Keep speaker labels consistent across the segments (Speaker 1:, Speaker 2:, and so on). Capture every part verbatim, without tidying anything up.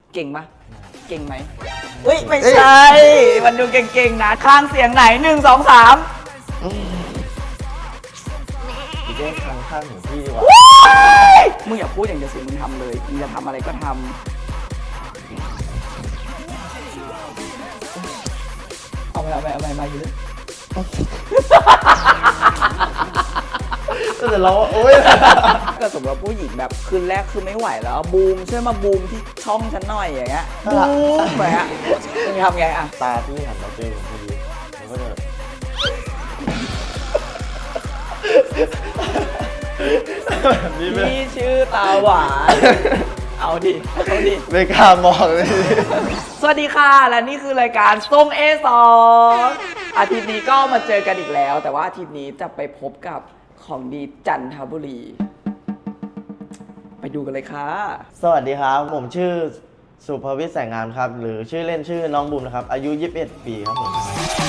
Speaker 1: เก่งปะเก่งไหมเฮ้ยไม่ใช่มันดูเก่งๆนะข้างเสียงไหนหนึ่งสองสาม
Speaker 2: พี่เจ๊ข้างข้างของพี่ดีกว่า
Speaker 1: มึงอย่าพูดอย่างเดียวสิมึงทำเลยมึงจะทำอะไรก็ทำเอาไปเอาไปเอาไปมาอยู่เลย
Speaker 2: ก็จะร้องโอ๊ย
Speaker 1: ก็สมมติว่าผู้หญิงแบบคืนแรกคือไม่ไหวแล้วบูมช่วยมาบูมที่ช่องฉันหน่อยอย่างเงี้ยบูมเหมือนอะมึงทำไงอะ
Speaker 2: ตาพี่หันมาเจอผมพอดีผมก็จะ
Speaker 1: พี่ชื่อตาหวานเอาดิเอาดิ
Speaker 2: ไม่กล้ามองเลย
Speaker 1: สวัสดีค่ะและนี่คือรายการทรง เอ สองอาทิตย์นี้ก็มาเจอกันอีกแล้วแต่ว่าอาทิตย์นี้จะไปพบกับของดีจันทบุรีไปดูกันเลยค่ะ
Speaker 2: สวัสดีครับผมชื่อสุภวิทย์แสงงามครับหรือชื่อเล่นชื่อน้องบูมนะครับอายุยี่สิบเอ็ดปีครับผม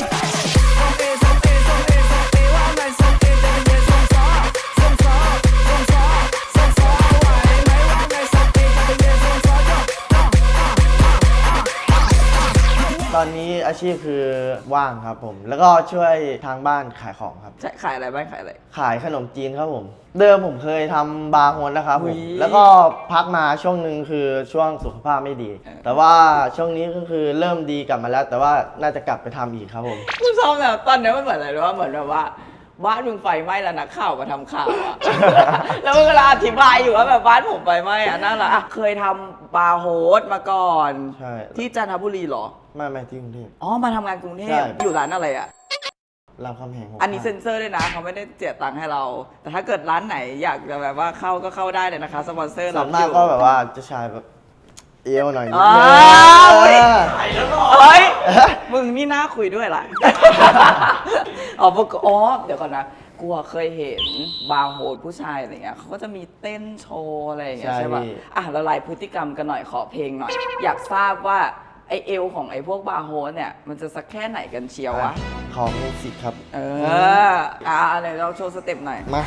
Speaker 2: ตอนนี้อาชีพคือว่างครับผมแล้วก็ช่วยทางบ้านขายของครับ
Speaker 1: ใช่ขายอะไรบ้างขายอะไร
Speaker 2: ขายขนมจีนครับผมเดิมผมเคยทำบาร์โฮสนะครับผมแล้วก็พักมาช่วงหนึ่งคือช่วงสุขภาพไม่ดี แต่ว่าช่วงนี้ก็คือเริ่มดีกลับมาแล้วแต่ว่าน่าจะกลับไปทำอีกครับผม
Speaker 1: กูชอบแบบตอนนี้มันเหมือนอะไรรู้ว่าเหมือนแบบว่าบ้านมึงไฟไหม้แล้วนักข่าวมาทำข่าวอะแล้วมึงกำลังอธิบายอยู่ว่าแบบบ้านผมไฟไหม้อะนั่นแหละเคยทำบาร์โฮสมาก่อน
Speaker 2: ใช่
Speaker 1: ที่จันทบุรีเหรอ
Speaker 2: ไม่ไม่ที่กรุงเทพ
Speaker 1: อ๋อมาทำงานกรุงเทพอยู่ร้านอะไรอะ
Speaker 2: รามคำแหง
Speaker 1: อันนี้เซ็นเซอร์ด้วยนะเขาไม่ได้เสียตังค์ให้เราแต่ถ้าเกิดร้านไหนอยากจะแบบว่าเข้าก็เข้าได้เลยนะคะสปอนเซอร์
Speaker 2: ส่วนมากก็แบบว่าจะชายแบบเอวหน่อยนิด
Speaker 1: นึงเฮ้ยมึงนี่น่าคุยด้วยล่ะอ๋ออ๋อเดี๋ยวก่อนนะกูเคยเห็นบาร์โฮสผู้ชายอะไรเงี้ยเขาก็จะมีเต้นโชว์อะไรอย่างเงี้ยใช่ป่ะอ่ะละลายพฤติกรรมกันหน่อยขอเพลงหน่อยอยากทราบว่าไอเอวของไอพวกบาร์โฮสเนี่ยมันจะสักแค่ไหนกันเชียววะ
Speaker 2: ขอมิวสิกครับ
Speaker 1: เอออ่ะอะไรเราโชว์สเต็ปหน่อย
Speaker 2: มา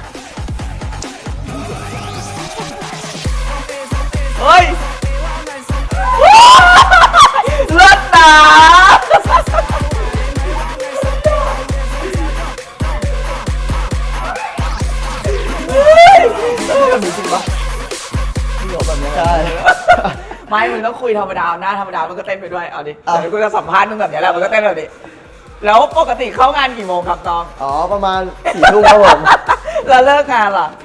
Speaker 1: เฮ้ยเลิศนะมีจริงปะมีหรอแบบนี้
Speaker 2: ใช่
Speaker 1: ไม่มึงต้องคุยธรรมดาหน้าธรรมดามันก็เต้นไปด้วยเอาดิเดี๋ยวกูจะสัมภาษณ์มึงแบบนี้แหละมันก็เต้นแบบนี้แล้วปกติเข้างานกี่โมงครับน้อง
Speaker 2: อ๋อประมาณสี่ทุ่มครับผม
Speaker 1: แล้วเลิกงานล่ะ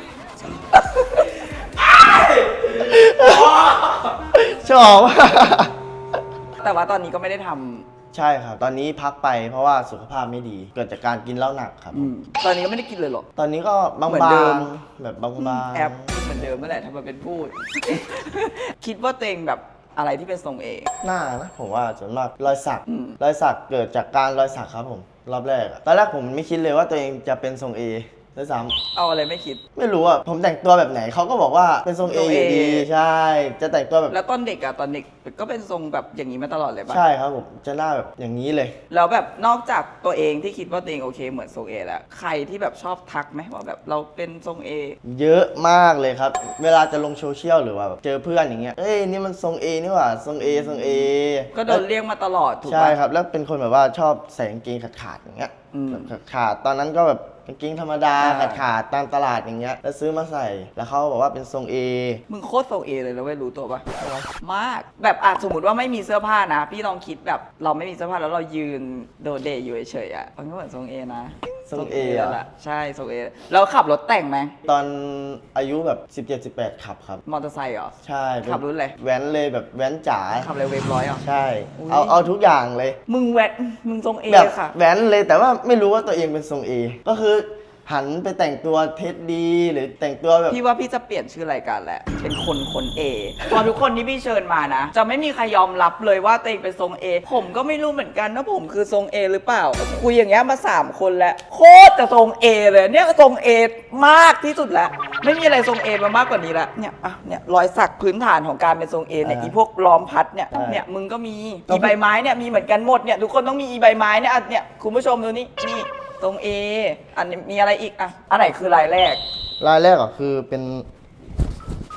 Speaker 2: ชอบ
Speaker 1: แต่ว่าตอนนี้ก็ไม่ได้ท
Speaker 2: ำใช่ครับตอนนี้พักไปเพราะว่าสุขภาพไม่ดีเกิดจากการกินเหล้าหนักครับ
Speaker 1: ตอนนี้ก็ไม่ได้กินเลยหรอ
Speaker 2: ตอนนี้ก็บางๆแบบบาง
Speaker 1: ๆแอปเหมือนเดิมนั่นแหละทำมาเป็นพูดคิดว่าตัวเองแบบอะไรที่เป็นทรงเอ
Speaker 2: หน้านะผมว่าส่วนมากรอยสักรอยสักเกิดจากการรอยสักครับผมรอบแรกตอนแรกผมไม่คิดเลยว่าตัวเองจะเป็นทรงเอด้วยซ้
Speaker 1: ำเอาอะไรไม่คิด
Speaker 2: ไม่รู้อ่ะผมแต่งตัวแบบไหนเขาก็บอกว่าเป็นทรงเออยู่ดีใช่จะแต่งตัวแบบ
Speaker 1: แล้วตอนเด็กอะตอนเด็กก็เป็นทรงแบบอย่างนี้มาตลอดเลยป่ะ
Speaker 2: ใช่ครับผมจะหน้าแบบอย่างนี้เลย
Speaker 1: แล้วแบบนอกจากตัวเองที่คิดว่าตัวเองโอเคเหมือนทรงเอแล้วใครที่แบบชอบทักไหมว่าแบบเราเป็นทรงเอ
Speaker 2: เยอะมากเลยครับเวลาจะลงโซเชียลหรือว่าเจอเพื่อนอย่างเงี้ยเอ้ยนี่มันทรงเอนี่หว่าทรงเอทรงเอ
Speaker 1: ก็โดนเรียกมาตลอดถูกป่ะ
Speaker 2: ใช่ครับแล้วเป็นคนแบบว่าชอบใส่กางเกงขาดๆอย่างเงี้ยขาดตอนนั้นก็แบบกางเกงธรรมดาขาดๆตามตลาดอย่างเงี้ยแล้วซื้อมาใส่แล้วเขาบอกว่าเป็นทรงเอ
Speaker 1: มึงโคตรทรงเอเลยแล้วไม่รู้ตัวปะมากแบบอ่ะสมมติว่าไม่มีเสื้อผ้านะพี่ลองคิดแบบเราไม่มีเสื้อผ้าแล้วเรายืนโดดเด่อยู่เฉยๆอ่ะมันก็เหมือนทรงเอนะ
Speaker 2: ทรงเอ
Speaker 1: อ่ะใช่ทรงเอแล้วขับรถแต่งไหม
Speaker 2: ตอนอายุแบบสิบเจ็ด สิบแปดขับครับ
Speaker 1: มอเตอร์ไซค์เหรอ
Speaker 2: ใช่
Speaker 1: ขับรุ่นอะไร
Speaker 2: แว้นเลยแบบแว้นจ๋า
Speaker 1: ขับอะไรเวฟร้อยอ่ะ
Speaker 2: ใช่เอาเอาทุกอย่างเลย
Speaker 1: มึงแว้นมึงทรงเอค่ะ
Speaker 2: แว้นเลยแต่ว่าไม่รู้ว่าตัวเองเป็นทรงเอก็คือหันไปแต่งตัวเท็ดดีหรือแต่งตัวแบบ
Speaker 1: พี่ว่าพี่จะเปลี่ยนชื่อรายการแหละเป็นคนคนเอพอทุกคนที่พี่เชิญมานะจะไม่มีใครยอมรับเลยว่าตัวเองเป็นทรงเอผมก็ไม่รู้เหมือนกันว่าผมคือทรงเอหรือเปล่าคุยอย่างเงี้ยมาสามคนแล้วโคตรจะทรงเอเลยเนี่ยทรงเอมากที่สุดแล้วไม่มีอะไรทรงเอมามากกว่านี้ละเนี่ยอ่ะเนี่ยรอยสักพื้นฐานของการเป็นทรงเอเนี่ยอีพวกล้อมพัดเนี่ยเนี่ยมึงก็มีอีใบไม้เนี่ยมีเหมือนกันหมดเนี่ยทุกคนต้องมีอีใบไม้เนี่ยเนี่ยคุณผู้ชมดูนี่นี่ตรง A อันนี้มีอะไรอีกอ่ะอันไหนคือรายแรก
Speaker 2: รายแรกอ่ะคือเป็นลูกหั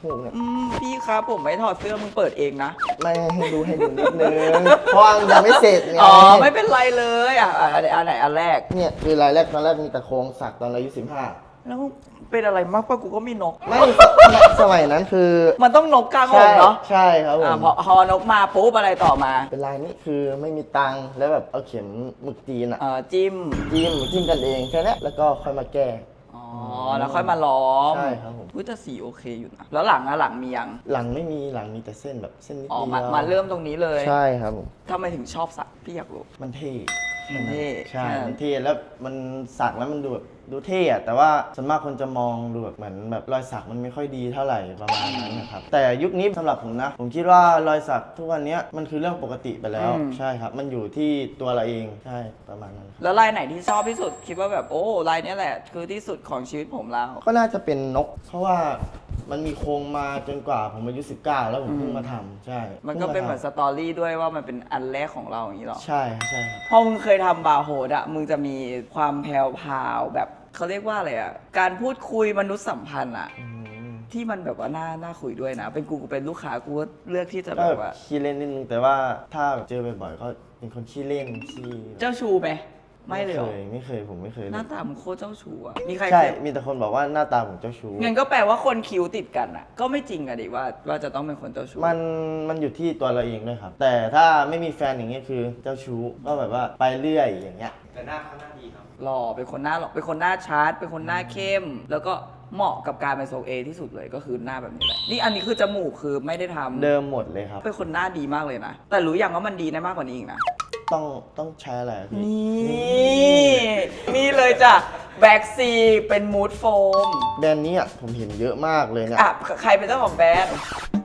Speaker 2: มูกเนี่ย
Speaker 1: อืมพี่ครับผมไม่ถอดเสื้อมึงเปิดเองนะ
Speaker 2: ไม่ให้ดูให้ดูนิดนึงเพราะว่ามันยังไม่เสร็จไง
Speaker 1: อ๋อไม่เป็นไรเลยอ่ะอ่ะอันไหนอันไหนอันแรก
Speaker 2: เนี่ยคือรายแรกตอนแรกมีแต่โครงสักตอนอายุสิบห้า
Speaker 1: แล้วเป็นอะไรมากป่ะกูก็มีนก
Speaker 2: ไม่สมัยนั้นคือ
Speaker 1: มันต้องนกกลางอ
Speaker 2: ใช่
Speaker 1: กเนาะ
Speaker 2: ใช่ครับผ
Speaker 1: อ่ะ
Speaker 2: ม
Speaker 1: พอพอนกมาปุ๊บอะไรต่อมา
Speaker 2: เป็นลายนี้คือไม่มีตังค์แล้วแบบเอาเข็มหมึกจีนอะ
Speaker 1: เอ่อจิ้ม
Speaker 2: จิ้มจิ้มกันเองแค่นี้แล้วก็ค่อยมาแก้
Speaker 1: อ๋อแล้วค่อยมาล้อม
Speaker 2: ใช่ครับผม
Speaker 1: อุ้ยแต่สีโอเคอยู่นะแล้วหลังอะหลังมียัง
Speaker 2: หลังไม่มีหลังมีแต่เส้นแบบเส้นนิด
Speaker 1: อ๋อ
Speaker 2: เดียว
Speaker 1: มามาเริ่มตรงนี้เลย
Speaker 2: ใช่ครับผม
Speaker 1: ทำไมถึงชอบสักพี่อยากรู้
Speaker 2: มันเท่
Speaker 1: มันเท่
Speaker 2: ใช่
Speaker 1: แค่นั้น
Speaker 2: มันเท่แล้วมันสักแล้วมันดูแบบดูเท่อะแต่ว่าส่วนมากคนจะมองดูแบบเหมือนแบบรอยสักมันไม่ค่อยดีเท่าไหร่ประมาณนั้นนะครับแต่ยุคนี้สำหรับผมนะ ผมคิดว่ารอยสักทุกวันนี้มันคือเรื่องปกติไปแล้วใช่ครับมันอยู่ที่ตัวเราเองใช่ประมาณนั้น
Speaker 1: แล้วลายไหนที่ชอบที่สุดคิดว่าแบบโอ้ลายเนี้ยแหละคือที่สุดของชีวิตผมแล้ว
Speaker 2: ก็น่าจะเป็นนก เพราะว่ามันมีโครงมาจนกว่าผมอายุสิบเก้าแล้วผมเพิ่งมาทำใช่
Speaker 1: มันก็เป็นเหมือนส
Speaker 2: พิ่งาท
Speaker 1: ตอรี่ด้วยว่ามันเป็นอันแรกของเราอย่างนี้หรอ
Speaker 2: ำใช่ครับใช่ครับ
Speaker 1: พอมึงเคยทำบาร์โฮดอะมึงจะมีความแพรวพราวแบบเขาเรียกว่าอะไรอะการพูดคุยมนุษยสัมพันธ์อะ
Speaker 2: อืม
Speaker 1: ที่มันแบบว่าน่าน่าคุยด้วยนะ เป็นกูกูเป็นลูกค้ากูก็เลือกที่จะ
Speaker 2: ก็
Speaker 1: แบ
Speaker 2: แบบ บ
Speaker 1: ว่า
Speaker 2: ขี้เล่นนิดนึงแต่ว่าถ้าแบบเจอบ่อยๆก็เป็นคนขี้เล่นขี้
Speaker 1: เจ้าชูไหมไม่เลยเหรอ
Speaker 2: เคยไม่เคยผมไม่เคย
Speaker 1: ห
Speaker 2: เล
Speaker 1: น้าย ตามึงโคตรเจ้าชูอะมีใคร
Speaker 2: ใช่
Speaker 1: เคย
Speaker 2: มีแต่คนบอกว่าหน้าตาผมเจ้าชู้
Speaker 1: งั้นก็แปลว่าคนคิ้วติดกันอะก็ไม่จริงอะดิว่าว่าจะต้องเป็นคนเจ้าชู้
Speaker 2: มันมันอยู่ที่ตัวเราเองด้วยครับ แต่ถ้าไม่มีแฟนอย่างเงี้ยคือเจ้าชู้ก็แบบว่าไปเรื่อยอย่างเงี้ย
Speaker 3: แต่หน้าเขาหน้าดีครับ
Speaker 1: หล่อเป็นคนหน้าหล่อเป็นคนหน้าชาร์จเป็นคนหน้าเข้ม แล้วก็เหมาะกับการเป็นทรงเอที่สุดเลยก็คือหน้าแบบนี้แหละนี่อันนี้คือจมูกคือไม่ได้ทำ
Speaker 2: เดิมหมดเลยครับ
Speaker 1: เป็นคนหน้าดีมากเลยนะ แต่รู้อย่างว่ามันดีได้มากกว่านี้อีกนะ
Speaker 2: ต้องต้องใช้อะไรอะพี่
Speaker 1: นี่นี่เลยจ้ะแบ็กซีเป็นมูดโฟม
Speaker 2: แบรนด์นี้อ่ะผมเห็นเยอะมากเลยเนี่ย
Speaker 1: อ่ะใครเป็นเจ้าของแบรนด์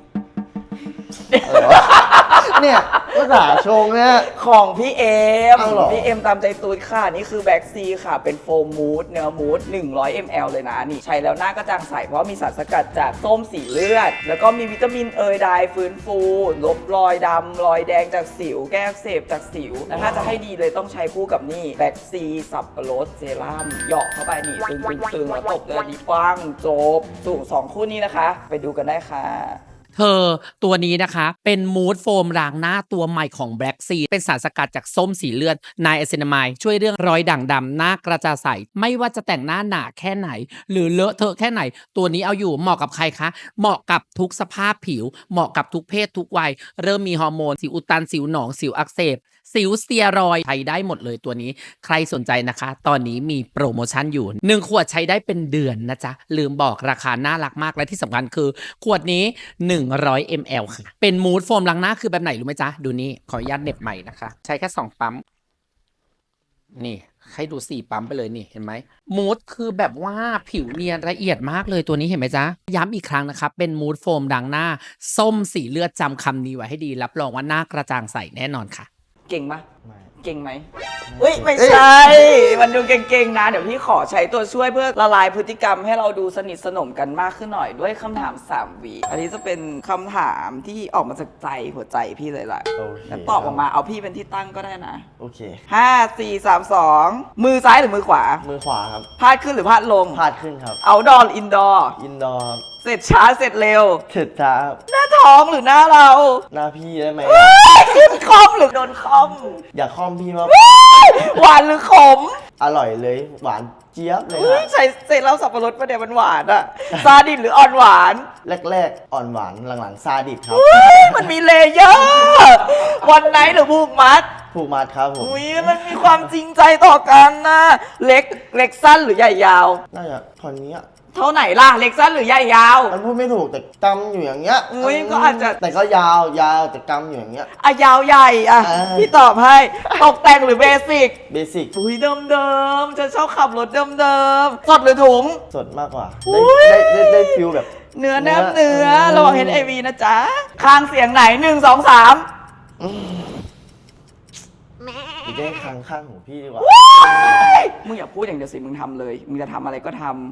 Speaker 2: อะไรวะเนี่ยภาษาชงเนี่ย
Speaker 1: ของพี่เอ็ม
Speaker 2: อ้าวเหรอ
Speaker 1: พี่เอ็มตามใจตูดค่ะ นี่คือแบ็กซีค่ะ เป็นโฟมมูดเนื้อมูดหนึ่งร้อยมิลลิลิตร เลยนะ นี่ใช้แล้วหน้ากระจ่างใส เพราะมีสารสกัดจากส้มสีเลือด แล้วก็มีวิตามินเอยไดฟื้นฟู ลบรอยดำรอยแดงจากสิว แก้อักเสบจากสิว แล้วถ้าจะให้ดีเลยต้องใช้คู่กับนี่แบ็กซีสับปะรดเซรั่มเหยาะเข้าไปนี่ตึงตึงตึงแล้วตบเลยดีปังจบสูงสองคู่นี้นะคะ ไปดูกันได้ค่ะ
Speaker 4: เธอตัวนี้นะคะเป็นมูดโฟมล้างหน้าตัวใหม่ของ Black Sea เป็นสารสกัดจากส้มสีเลือดไนแอซินามายช่วยเรื่องรอยด่างดำหน้ากระจ่างใสไม่ว่าจะแต่งหน้าหนาแค่ไหน หรือเลอะเทอะแค่ไหน ตัวนี้เอาอยู่เหมาะกับใครคะ เหมาะกับทุกสภาพผิว เหมาะกับทุกเพศทุกวัย เริ่มมีฮอร์โมนสิวอุดตันสิวหนองสิวอักเสบสิวสเตียรอยด์ใช้ได้หมดเลยตัวนี้ใครสนใจนะคะ ตอนนี้มีโปรโมชั่นอยู่หนึ่งขวดใช้ได้เป็นเดือนนะจ๊ะลืมบอกราคาน่ารักมากและที่สำคัญคือ ขวดนี้หนึ่งร้อยมิลลิลิตร ค่ะเป็นมูดโฟมล้างหน้าคือแบบไหนรู้ไหมจ๊ะดูนี่ขออนุญาตเหน็บใหม่นะคะใช้แค่สองปั๊มนี่ให้ดูสี่ปั๊มไปเลยนี่เห็นไหมมูดคือแบบว่าผิวเนียนละเอียดมากเลยตัวนี้เห็นไหมจ๊ะย้ำอีกครั้งนะครับเป็นมูดโฟมล้างหน้าส้มสีเลือดจำคำนี้ไว้ให้ดีรับรองว่าหน้ากระจ่างใสแน่นอนค่ะ
Speaker 1: เก่งปะ
Speaker 2: ไม่
Speaker 1: เก่งไหมเฮ้ย ไม่ใช่ มันดูเก่งๆนะ เดี๋ยวพี่ขอใช้ตัวช่วยเพื่อละลายพฤติกรรมให้เราดูสนิทสนมกันมากขึ้นหน่อยด้วยคำถามสามวีอันนี้จะเป็นคำถามที่ออกมาจากใจหัวใจพี่เลยล่ะ
Speaker 2: โอเค
Speaker 1: แล้วตอบออกมาเอาพี่เป็นที่ตั้งก็ได้นะ
Speaker 2: โอเค
Speaker 1: ห้า สี่ สาม สอง มือซ้ายหรือมือขวา
Speaker 2: มือขวาครับ
Speaker 1: พาดขึ้นหรือพาดลง
Speaker 2: พาดขึ้นครับ
Speaker 1: เอาดอลอินดอร์
Speaker 2: อินดอร์ครับ
Speaker 1: เสร็จช้าเสร็จเร็ว
Speaker 2: เถิดจ้าครับ
Speaker 1: หน้าท้องหรือหน้าเรา
Speaker 2: หน้าพี่ได้ไหม
Speaker 1: ขึ้นคอมหรือโดนคอม
Speaker 2: อยากคอมพี่มา
Speaker 1: หวานหรือขม
Speaker 2: อร่อยเลยหวานเจี๊ยบเลย
Speaker 1: อุ๊
Speaker 2: ค
Speaker 1: ย
Speaker 2: รับ
Speaker 1: ใส่เศษเหล้าสับปะรดประเดี๋ยวมันหวานอะซาดิสหรืออ่อนหวาน
Speaker 2: แรกๆ อ่อนหวานหลังๆซาดิสครับ
Speaker 1: อุ๊ยมันมีเลเยอร์วันไหนหรือผูกมัด
Speaker 2: ผูกมัดครับผม
Speaker 1: อุ้ยมันมีความจริงใจต่อกันนะเล็กเล็กสั้นหรือใหญ่ยาว
Speaker 2: น่าจะตอนนี้อะ
Speaker 1: เท่าไหนล่ะเล็กสั้นหรือใหญ่ยาว
Speaker 2: มันพูดไม่ถูกแต่กำอยู่อย่างเงี้ย
Speaker 1: อุ๊ยก็อาจจะ
Speaker 2: แต่ก็ยาวยาวแต่กำอยู่อย่างเงี้ย
Speaker 1: อะยาวใหญ่อะ
Speaker 2: อ่า
Speaker 1: พี่ตอบให้ตกแต่งหรือเบสิก
Speaker 2: เบสิก
Speaker 1: อุ้ยเดิมเดิมๆจะชอบขับรถเดิมเดิมๆสดหรือถุง
Speaker 2: สดมากกว่า
Speaker 1: อุ๊
Speaker 2: ได้
Speaker 1: ย
Speaker 2: ได้ได้ได้ฟิลแบบ
Speaker 1: เนื้อแนบ
Speaker 2: เนื้
Speaker 1: เนื้อ
Speaker 2: อ
Speaker 1: ระวังเห็นไอวีนะจ๊ะข้างเสียงไหนหนึ่งสองสาม
Speaker 2: หรือได้ข้างข้างของพี่ดีกว่า
Speaker 1: มึงอย่าพูดอย่างเดียวสิมึงทำเลย มึงจะทำอะไรก็ทำ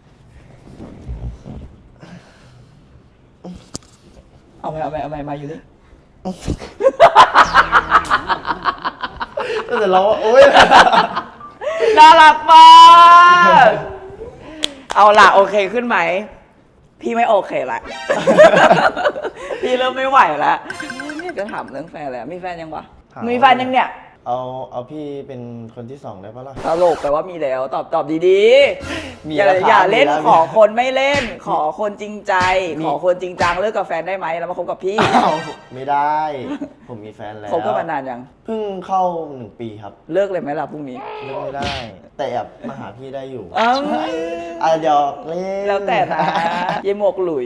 Speaker 1: เอาไปเอาไปเอาไปมาอยู่นี่
Speaker 2: ก็จะร้องว่าโอ๊ย
Speaker 1: น่ารักมาก เอาล่ะโอเคขึ้นไหมพี่ไม่โอเคละ พี่เริ่มไม่ไหวละเนี่ยจะถามเรื่องแฟนแล้วมีแฟนยังวะ
Speaker 2: ถาม
Speaker 1: มีแฟนยังเนี่ย
Speaker 2: เอาเอาพี่เป็นคนที่สองได้ปะล่ะ
Speaker 1: ตลกแปลว่ามีแล้วตอบตอบดี
Speaker 2: มี
Speaker 1: ๆอย่า
Speaker 2: แล้วครับ
Speaker 1: อย่าเล่น
Speaker 2: มีแล้ว
Speaker 1: ขอคนไม่เล่น ขอคนจริงใจ
Speaker 2: มี
Speaker 1: ขอคนจริงจังเลิกกับแฟนได้ไหมแล้วมาคบกับพี่
Speaker 2: อ้าวไม่ได้ ผมมีแฟนแล้ว
Speaker 1: คบกันมานานยัง
Speaker 2: เพิ่งเข้าหนึ่งปีครับ
Speaker 1: เลิกเลยไหมล่ะพรุ่งนี้
Speaker 2: เลิกไม่ได้ แต่แอบมาหาพี่ได้อยู่
Speaker 1: อ้าว
Speaker 2: อ่ะเดี๋ยวเล่น
Speaker 1: แล้วแต่นะเยหมวกหลุย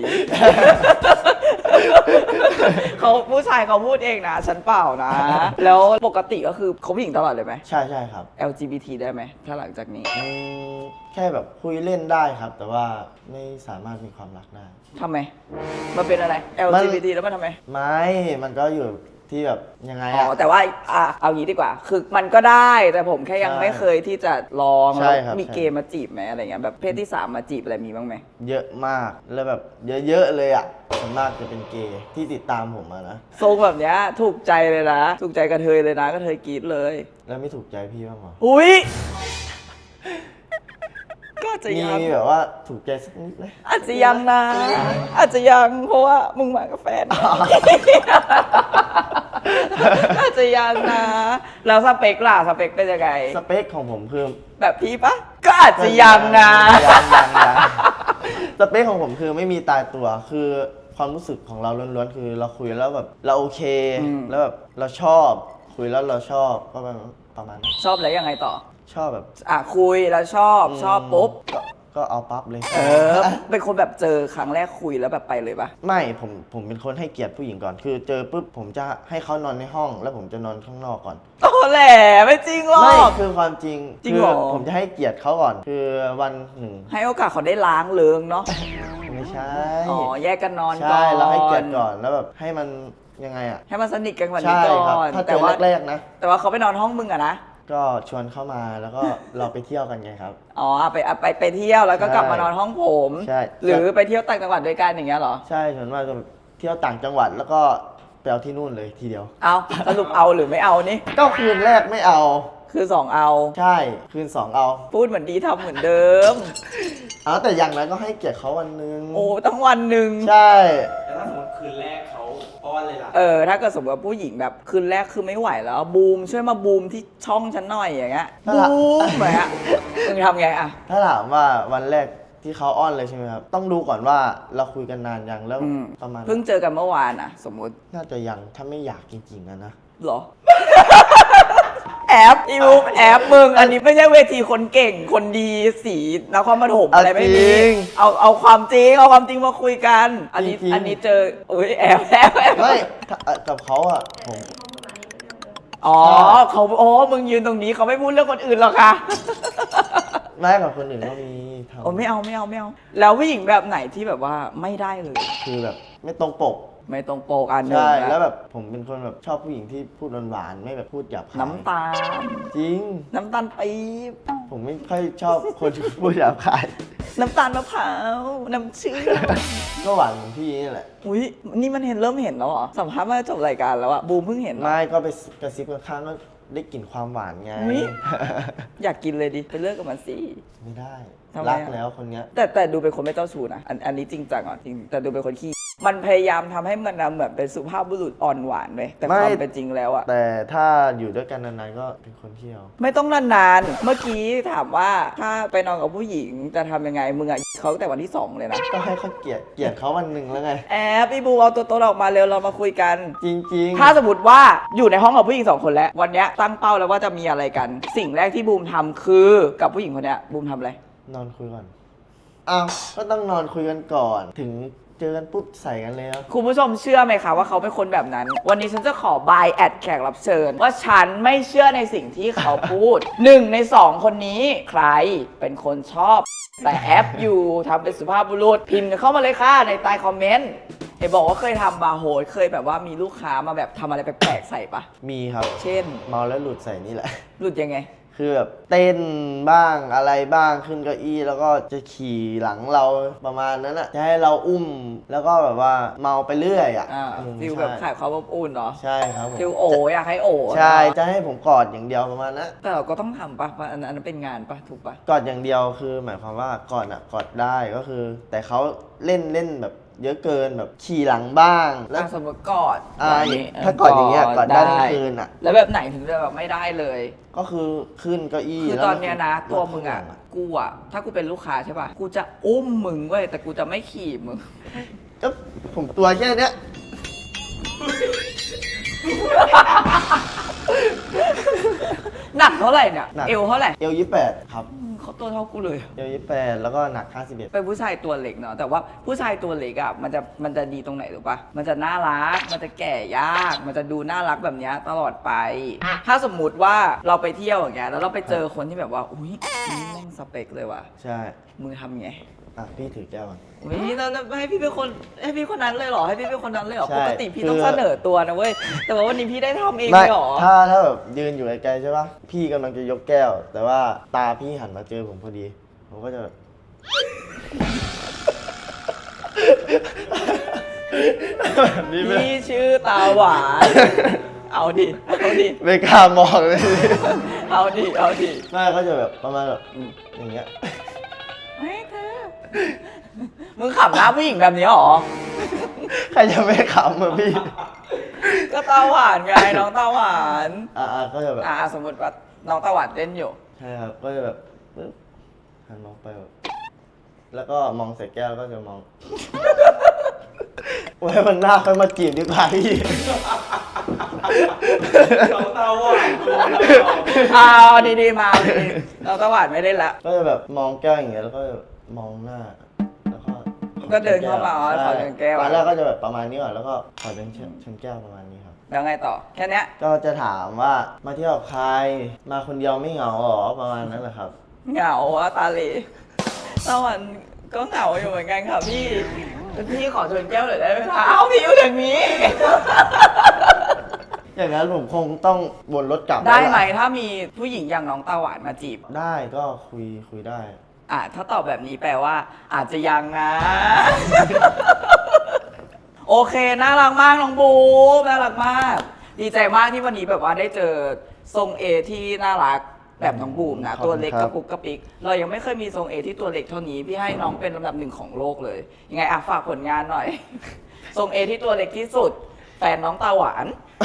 Speaker 1: เขาผู้ชายเขาพูดเองนะ ฉันเปล่านะ แล้วปกติก็คือเขาผู้หญิงตลอดเลยไหม
Speaker 2: ใช่ใช่ครับ
Speaker 1: แอล จี บี ที ได้ไหมถ้าหลังจากนี้
Speaker 2: อืมแค่แบบคุยเล่นได้ครับ แต่ว่าไม่สามารถมีความรักได้
Speaker 1: ทำไม มันเป็นอะไร แอล จี บี ที แล้วมันทำไม
Speaker 2: ไม่ มันก็อยู่ที่แบบยังไง
Speaker 1: อ๋
Speaker 2: อะ
Speaker 1: อ แต่ว่าอ่ะเอางี้ดีกว่า คือมันก็ได้แต่ผมแค่ยัง
Speaker 2: ใช่
Speaker 1: ไม่เคยที่จะลอง
Speaker 2: ใช่
Speaker 1: แล้ว
Speaker 2: ครับ
Speaker 1: มี
Speaker 2: ใช่
Speaker 1: เกมมาจีบไหมอะไรเงี้ยแบบเพศที่สามมาจีบอะไรมีบ้างไหม
Speaker 2: เยอะมาก แล้วแบบเยอะๆเลยอ่ะส่วนมากจะเป็นเกย์ที่ติดตามผมมานะ
Speaker 1: ทรงแบบเนี้ยถูกใจเลยนะ ถูกใจกระเทยเลยนะกระเทยกรี๊ดเลย
Speaker 2: แล้วไม่ถูกใจพี่บ้างเหรอ
Speaker 1: อุ้ยก็อาจจะ
Speaker 2: มี
Speaker 1: ยัง
Speaker 2: แบบว่าถูกใจสักนิดไหม
Speaker 1: อาจจะยังนะ อาจจะยังเพราะว่ามึงมากับแฟน อาจจะยังนะแล้วสเปคล่ะสเปคเป็นยังไง
Speaker 2: สเปคของผมคือ
Speaker 1: แบบพี่ปะก็อาจจะยังนะ
Speaker 2: ยังยังยังสเปคของผมคือไม่มีตายตัว คือความรู้สึกของเราล้วนๆคือเราคุยแล้วแบบเราโอเค
Speaker 1: อืม
Speaker 2: แล้วแบบเราชอบ คุยแล้วเราชอบก็ประมาณประมาณนั้น
Speaker 1: ชอบแล้วยังไงต่อ
Speaker 2: ชอบแบบ
Speaker 1: อ่ะคุยแล้วชอบชอบปุ๊บ
Speaker 2: ก็ก็เอาปั๊บเลย
Speaker 1: เออ เป็นคนแบบเจอครั้งแรกคุยแล้วแบบไปเลยปะ
Speaker 2: ไม่ผมผมเป็นคนให้เกียรติผู้หญิงก่อน คือเจอปุ๊บผมจะให้เขานอนในห้อง แล้วผมจะนอนข้างนอกก่อน
Speaker 1: โอ้แหละไม่จริงหรอ
Speaker 2: ไม่
Speaker 1: ก
Speaker 2: คือความจริง
Speaker 1: จริงเหรอ
Speaker 2: คือผมจะให้เกียรติเขาก่อน คือวันหนึ่ง
Speaker 1: ให้โอกาสเขาได้ล้างเลิงเนาะ
Speaker 2: ไม่ใช่
Speaker 1: อ๋อแยกกันนอนก่อน
Speaker 2: ใช่เราให้เกียรติก่อนแล้วแบบให้มันยังไงอ่ะ
Speaker 1: ให้มันสนิทกันกว่านี้
Speaker 2: ใช่
Speaker 1: ก่
Speaker 2: ครับ
Speaker 1: อน
Speaker 2: ถ้าเจ
Speaker 1: แต่
Speaker 2: อ
Speaker 1: ว่า
Speaker 2: แรกๆนะ
Speaker 1: แต่ว่าเขาไปนอนห้องมึงอะนะ
Speaker 2: ก็ชวนเข้ามาแล้วก็เราไปเที่ยวกันไงครับ
Speaker 1: อ๋อไปไปไปเที่ยวแล้วก็กลับมานอนห้องผม
Speaker 2: ใช่
Speaker 1: หรือไปเที่ยวต่างจังหวัดด้วยกันอย่างเงี้ยเหรอ
Speaker 2: ใช่ส่วนมากจะแบบเที่ยวต่างจังหวัดแล้วก็ไปเอาที่นู่นเลยทีเดียว
Speaker 1: เอาสรุปเอาหรือไม่เอานี่
Speaker 2: ก็คืนแรกไม่เอา
Speaker 1: คือสองเอา
Speaker 2: ใช่คืนสองเอา
Speaker 1: พูดเหมือนดีทำเหมือนเดิม
Speaker 2: เอาแต่อย่างนั้นก็ให้เกียรติเขาวันหนึง
Speaker 1: โอ้ตั้งวันหนึ่ง
Speaker 2: ใช่
Speaker 3: แล้วถ้าสมมติคืนแรกเขาป้อนเลยล่ะ
Speaker 1: เออถ้าเกิดสมมติว่าผู้หญิงแบบคืนแรกคือไม่ไหวแล้วบูมช่วยมาบูมที่ช่องฉันหน่อยอย่างเงี้ยบูมเหมือนอะมึงทำไงอะ
Speaker 2: ถ้าถามว่าวันแรกที่เขาอ้อนเลยใช่ไหมครับ ต้องดูก่อนว่าเราคุยกันนานยังแล้ว
Speaker 1: อืม
Speaker 2: ประมาณ
Speaker 1: เพิ่งเจอกันเมื่อวานอะสมมุติ
Speaker 2: น่าจะยังถ้าไม่อยากจริงๆอะนะ
Speaker 1: เหรอ แอบอีบูมแอบมึง อันนี้ไม่ใช่เวทีคนเก่งคนดีสีนครปฐมอะไรไม่มี
Speaker 2: เอาจริง
Speaker 1: เอาเอาความจริงเอาความจริงมาคุยกัน อันนี้
Speaker 2: จริงๆ
Speaker 1: อันนี้เจออุ้ยแอบแอบแอบ
Speaker 2: ไม่ถ้ากับเขาอะผม
Speaker 1: อ๋อเขาโอ้มึงยืนตรงนี้เขาไม่พูดเรื่องคนอื่นหรอกค่ะ
Speaker 2: ไม่กับคนอื่นก็มีทำ
Speaker 1: โอ้ไม่เอาไม่เอาไม่เอา แล้วผู้หญิงแบบไหนที่แบบว่าไม่ได้เลย
Speaker 2: คือแบบไม่ตรงปก
Speaker 1: ไม่ตรงปกอันหนึง
Speaker 2: ใช่
Speaker 1: นะ
Speaker 2: แล้วแบบผมเป็นคนแบบชอบผู้หญิงที่พูดหวานๆไม่แบบพูดหยาบคาย
Speaker 1: น้ำตาล
Speaker 2: จริง
Speaker 1: น้ำตาลปี๊บ
Speaker 2: ผมไม่ค่อยชอบคนที่พูดหยาบคาย
Speaker 1: น้ำตาลมะพร้าวน้ำเชื่อม
Speaker 2: ก็หวานเหมือนพี่นี่แหละ
Speaker 1: อุ้ยนี่มันเห็นเริ่มเห็นแล้วเหรอสัมภาษณ์มาจบรายการแล้วอะบูมเพิ่งเห็นเหรอ
Speaker 2: ไม่ก็ไปกระซิบข้างๆก็ได้กลิ่นความหวานไง
Speaker 1: อุ๊ย อยากกินเลยดิไปเลิกกับมันสิ
Speaker 2: ไม่ได้
Speaker 1: ทำไม
Speaker 2: รัก
Speaker 1: อะ
Speaker 2: แล้วคนเนี้ย
Speaker 1: แต่แต่ดูเป็นคนไม่เจ้าชู้นะอันอันนี้จริงจังอ่ะจริงแต่ดูเป็นคนขี้มันพยายามทำให้มันนะเหมือนเป็นสุภาพบุรุษอ่อนหวานเลยแต่ความเป็นจริงแล้วอะ
Speaker 2: แต่ถ้าอยู่ด้วยกันนานๆก็เป็นคนเที่ยว
Speaker 1: ไม่ต้องนานๆ เมื่อกี้ถามว่าถ้าไปนอนกับผู้หญิงจะทำยังไง มึงอะเขาตั้งแต่วันที่สองเลยนะ
Speaker 2: ก็ให้เขาเกลียดเกลียดเขาวันหนึ่งแล้วไง
Speaker 1: แอบพี่บูเอาตัวตนออกมาเร็วเรามาคุยกัน
Speaker 2: จริงๆ
Speaker 1: ถ้าสมมติว่าอยู่ในห้องกับผู้หญิงสองคนแล้ว วันเนี้ยตั้งเป้าแล้วว่าจะมีอะไรกัน สิ่งแรกที่บูมทำคือกับผู้หญิงคนเนี้ยบูมทำอะไร
Speaker 2: นอนคุยก่อนอ้าวก็ต้องนอนคุยกันก่อน ถึงเจอกันปุ๊บใส่กันเลยครับ
Speaker 1: คุณผู้ชมเชื่อไหมคะว่าเขาเป็นคนแบบนั้น วันนี้ฉันจะขอบายแอดแขกรับเชิญ ว่าฉันไม่เชื่อในสิ่งที่เขาพูด หนึ่งในสองคนนี้ใครเป็นคนชอบ แต่แอปอยู่ทำเป็นสุภาพบุรุษพิมพ์กันเข้ามาเลยค่ะในใต้คอมเมนต์เห็นบอกว่าเคยทำบาร์โฮสเคยแบบว่ามีลูกค้ามาแบบทำอะไรแปลกๆใส่ปะ
Speaker 2: มีครับ
Speaker 1: เช่น
Speaker 2: เมาแล้วหลุดใส่นี่แหละ
Speaker 1: หลุดยังไง
Speaker 2: คือแบบเต้นบ้างอะไรบ้างขึ้นเก้าอี้แล้วก็จะขี่หลังเราประมาณนั้นอ่ะจะให้เราอุ้มแล้วก็แบบว่าเมาไปเรื่อยอ่ะ
Speaker 1: อ่า
Speaker 2: อืม
Speaker 1: ฟิล
Speaker 2: ใช่
Speaker 1: แบบขายความอบอุ่นเนาะ
Speaker 2: ใช่ครับผม
Speaker 1: ฟิลโออยากให้โอ
Speaker 2: ใช่
Speaker 1: เนอะ
Speaker 2: จะให้ผมกอดอย่างเดียวประมาณนั้น
Speaker 1: แต่เราก็ต้องทำปะเพราะอันนั้นเป็นงานปะถูกปะ
Speaker 2: กอดอย่างเดียวคือหมายความว่ากอดอ่ะกอดได้ก็คือ แต่เขาเล่นเล่นแบบเยอะเกินแบบขี่หลังบ้างแล้ว
Speaker 1: อ่ะสมมติกอด
Speaker 2: อ่า
Speaker 1: แบบนี้
Speaker 2: ถ้ากอดอย่างเงี้ยกอดได้ทั้งคืนอ่ะ
Speaker 1: แล้วแบบไหนถึงจะแบบไม่ได้เลย
Speaker 2: ก็คือขึ้นเก้าอี้
Speaker 1: คือ
Speaker 2: แล้ว
Speaker 1: ตอนเนี้ยนะ
Speaker 2: ก็
Speaker 1: ตัวมึงอ่ะกูอ่ะถ้ากูเป็นลูกค้าใช่ป่ะกูจะอุ้มมึงเว้ยแต่กูจะไม่ขี่มึง
Speaker 2: ก็ผมตัวแค่เนี้ย
Speaker 1: หนักเท่าไหร่เนี่ยเอวเท่าไหร่
Speaker 2: เอลยี่แปดครับ
Speaker 1: อืมเขาตัวเท่ากูเลย
Speaker 2: เอลยี่แปดแล้วก็หนักห้าสิบเอ็ด
Speaker 1: เป็นผู้ชายตัวเล็กเนาะแต่ว่าผู้ชายตัวเล็กอ่ะมันจะมันจะดีตรงไหนรู้ปะมันจะน่ารักมันจะแก่ยากมันจะดูน่ารักแบบเนี้ยตลอดไป ถ้าสมมุติว่าเราไปเที่ยวอย่างเงี้ยแล้วเราไปเจอคนที่แบบว่าอุ้ยนี่แม่งสเปคเลยว่ะ
Speaker 2: ใช่
Speaker 1: มึงทำไง
Speaker 2: อ่ะพี่ถือแก้วก่อน
Speaker 1: อุ้ยเราให้พี่เป็นคนให้พี่คนนั้นเลยเหรอให้พี่เป็นคนนั้นเลยเหรอ
Speaker 2: ใช่
Speaker 1: ปกติพี่
Speaker 2: คือ
Speaker 1: ต้องเสนอตัวนะเว้ยแต่ว่าวันนี้พี่ได้ทำเอง
Speaker 2: ไม่
Speaker 1: เลยเหรอ
Speaker 2: ถ้าถ้าแบบยืนอยู่ไกลๆใช่ปะพี่กำลังจะยกแก้ว แต่ว่าตาพี่หันมาเจอผมพอดี ผมก็จะแบบ แบบนี้ไหม
Speaker 1: พี่ชื่อตาหวานเอาดิเอาดิ
Speaker 2: ไม่กล้ามองเลย
Speaker 1: เอาดิเอาดิ
Speaker 2: ไม่ก็จะแบบประมาณแบบอืมอย่างเงี้ย
Speaker 1: ไม่เธอมึงขับหน้าผู้หญิงแบบนี้เหรอ
Speaker 2: ใครจะไม่ขำอะพี่
Speaker 1: ก็ตาหวานไงน้องตาหวาน
Speaker 2: อ่าก็จะแบบ
Speaker 1: อ่าสมมติว่าน้องตาหวานเต้นอยู่
Speaker 2: ใช่ครับ ก็จะแบบปึ๊บหันมองไปแบบแล้วก็มองใส่แก้วแล้วก็จะมอง ไว้มันหน้าค่อยมาจีบดีกว่าพี่
Speaker 3: น้องตาหวานโดน
Speaker 1: เอาดีๆมาเอาดีๆน้องตาหวานไม่เล่นละ
Speaker 2: ก็จะแบบมองแก้วอย่างเงี้ยแล้วก็มองหน้า แล้วก็
Speaker 1: ก็เดินเข้ามาอ๋อ
Speaker 2: ใช่
Speaker 1: ขอเดินแก้ว
Speaker 2: ตอนแรกก็จะแบบประมาณนี้ก่อนแล้วก็ขอเดินชนแก้วประมาณนี้ครับ
Speaker 1: แล้วไงต่อแค่เนี้ย
Speaker 2: ก็จะถามว่ามาเที่ยวกับใครมาคนเดียวไม่เหงาหรอประมาณนั้นแหละครับ
Speaker 1: เหงาอะตาเหลตาหวานก็เหงาอยู่เหมือนกันค่ะพี่พี่ขอชวนแก้วหน่อยได้ไหมคะเอ้าพี่อยู่อย่างนี้
Speaker 2: อย่างนั้นผมคงต้องวนรถกลับ
Speaker 1: ได้ไหม
Speaker 2: แล้วล่ะ
Speaker 1: ถ้ามีผู้หญิงอย่างน้องตาหวานมาจีบ
Speaker 2: ได้ก็คุยคุยได้
Speaker 1: อ่ะถ้าตอบแบบนี้แปลว่า อาจจะยังนะ โอเคน่ารักมากน้องบูมน่ารักมาก ดีใจมากที่วันนี้แบบว่าได้เจอทรงเอที่น่ารักแบบน้องบูมนะ
Speaker 2: ขอบคุณ
Speaker 1: ตัวเล็ก
Speaker 2: ค
Speaker 1: ก
Speaker 2: รั
Speaker 1: ระ
Speaker 2: บ
Speaker 1: ปุกกระปิก เรายังไม่เคยมีทรงเอที่ตัวเล็กเท่านี้พี่ให้น้องเป็นลำดับหนึ่งของโลกเลย ยังไงอ่ะฝากผลงานหน่อย ทรงเอที่ตัวเล็กที่สุด แฟนน้องตาหวาน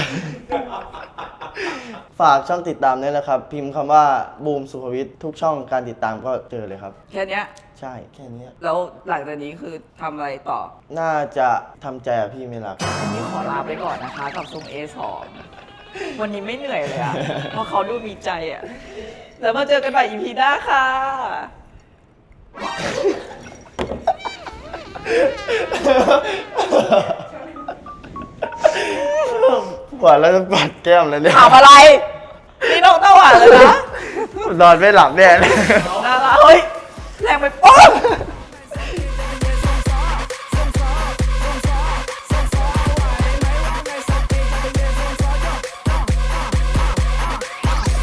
Speaker 2: ฝากช่องติดตามด้วยนะครับ พิมพ์คำว่าบูมสุภวิทย์ทุกช่องการติดตามก็เจอเลยครับ
Speaker 1: แค่เนี้ย
Speaker 2: ใช่แค่นี้
Speaker 1: แล้วหลังจากนี้คือทำอะไรต่อ
Speaker 2: น่าจะทำใจกับพี่ไม่รัก
Speaker 1: วันนี้ขอลาไปก่อนนะคะกับทรง เอ สอง วันนี้ไม่เหนื่อยเลยอะเพราะเขาดูมีใจอะแล้วมาเจอกันใหม่ อี พี หน้าค่ะ
Speaker 2: กว่าแล้วจะปัดแก้มแล้วเนี่ย
Speaker 1: ถามอะไร นี่น้องตาหวานเลยนะ
Speaker 2: นอนไม่หลับแน่เลย
Speaker 1: น่ารักเฮ้ย แรงไปป๊อบ